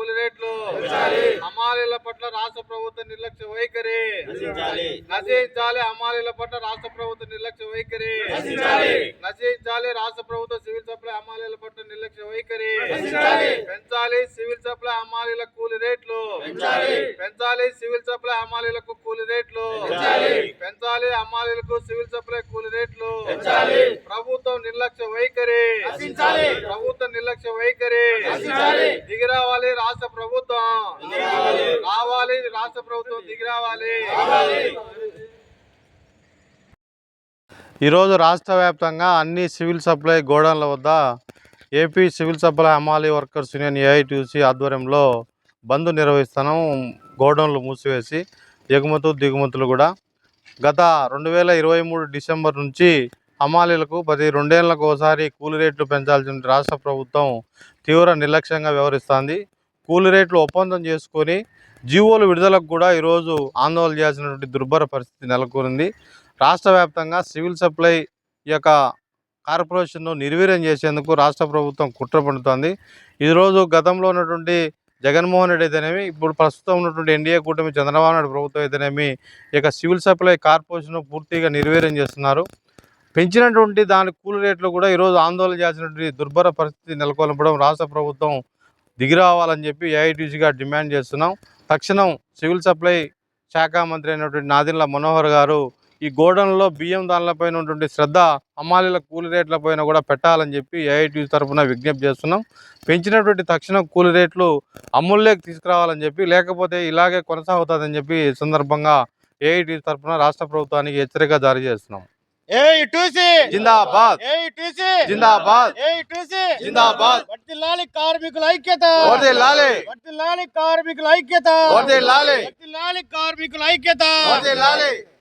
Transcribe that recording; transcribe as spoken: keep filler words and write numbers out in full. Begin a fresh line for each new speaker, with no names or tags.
కూలి రేట్లు హమాలీల పట్ల రాష్ట్ర ప్రభుత్వ నిర్లక్ష్య వైఖరి నశించాలి. హమాలీల పట్ల రాష్ట్ర ప్రభుత్వ నిర్లక్ష్య వైఖరి నశించాలి. రాష్ట్ర ప్రభుత్వ సివిల్ సప్లై హమాలీల పట్ల నిర్లక్ష్య వైఖరి పెంచాలి. సివిల్ సప్లై హమాలీల కూలి రేట్లు పెంచాలి. సివిల్ సప్లై హమాలీలకు కూలి రేట్లు పెంచాలి. హమాలీలకు సివిల్ సప్లై కూలి రేట్లు ప్రభుత్వం నిర్లక్ష్య వైఖరి ప్రభుత్వ నిర్లక్ష్య వైఖరి దిగిరావాలి. రాష్ట్ర ప్రభుత్వం రావాలి. రాష్ట్ర ప్రభుత్వం దిగిరావాలి.
ఈరోజు రాష్ట్ర వ్యాప్తంగా అన్ని సివిల్ సప్లై గోడౌన్ల వద్ద ఏపీ సివిల్ సప్లై హమాలీ వర్కర్స్ యూనియన్ ఏఐటీయూసీ ఆధ్వర్యంలో బంద్ నిర్వహిస్తున్నాం. గోడౌన్లు మూసివేసి ఎగుమతులు దిగుమతులు కూడా గత రెండు వేల ఇరవై మూడు డిసెంబర్ నుంచి హమాలీలకు ప్రతి రెండేళ్లకు ఒకసారి కూలి రేట్లు పెంచాల్సిన రాష్ట్ర ప్రభుత్వం తీవ్ర నిర్లక్ష్యంగా వ్యవహరిస్తుంది. కూలి రేట్లు ఒప్పందం చేసుకొని జీవోలు విడుదలకు కూడా ఈరోజు ఆందోళన చేయాల్సినటువంటి దుర్భర పరిస్థితి నెలకొంది. రాష్ట్ర వ్యాప్తంగా సివిల్ సప్లై యొక్క కార్పొరేషన్ను నిర్వీర్యం చేసేందుకు రాష్ట్ర ప్రభుత్వం కుట్ర పడుతోంది. ఈరోజు గతంలో ఉన్నటువంటి జగన్మోహన్ రెడ్డి అయితేనేమి, ఇప్పుడు ప్రస్తుతం ఉన్నటువంటి ఎన్డీఏ కూటమి చంద్రబాబు నాయుడు ప్రభుత్వం అయితేనేమి ఇక సివిల్ సప్లై కార్పొరేషన్ పూర్తిగా నిర్వీర్యం చేస్తున్నారు. పెంచినటువంటి దాని కూలి రేట్లు కూడా ఈరోజు ఆందోళన చేసినటువంటి దుర్భర పరిస్థితి నెలకొల్పడం రాష్ట్ర ప్రభుత్వం దిగిరావాలని చెప్పి ఏఐటీయూసీగా డిమాండ్ చేస్తున్నాం. తక్షణం సివిల్ సప్లై శాఖ మంత్రి అయినటువంటి నాదెండ్ల మనోహర్ గారు ఈ గోడౌన్లో బియ్యం దానిలపైన ఉన్నటువంటి శ్రద్ధ హమాలీల కూలి రేట్లపైన కూడా పెట్టాలని చెప్పి ఏఐటీయూసీ తరఫున విజ్ఞప్తి చేస్తున్నాం. పెంచినటువంటి తక్షణం కూలి రేట్లు అమల్లోకి తీసుకురావాలని చెప్పి, లేకపోతే ఇలాగే కొనసాగుతుందని చెప్పి సందర్భంగా ఏఐటీయూసీ తరఫున రాష్ట్ర ప్రభుత్వానికి హెచ్చరిక జారీ చేస్తున్నాం.
ఏఐటీయూసీ
జిందాబాద్
ఏఐటీయూసీ
జిందాబాద్
ఏఐటీయూసీ
జిందాబాద్
వర్ధిల్లాలి కార్మికుల ఐక్యత
వర్ధిల్లాలి
వర్ధిల్లాలి కార్మికుల ఐక్యత
వర్ధిల్లాలి
వర్ధిల్లాలి కార్మికుల ఐక్యత
వర్ధిల్లాలి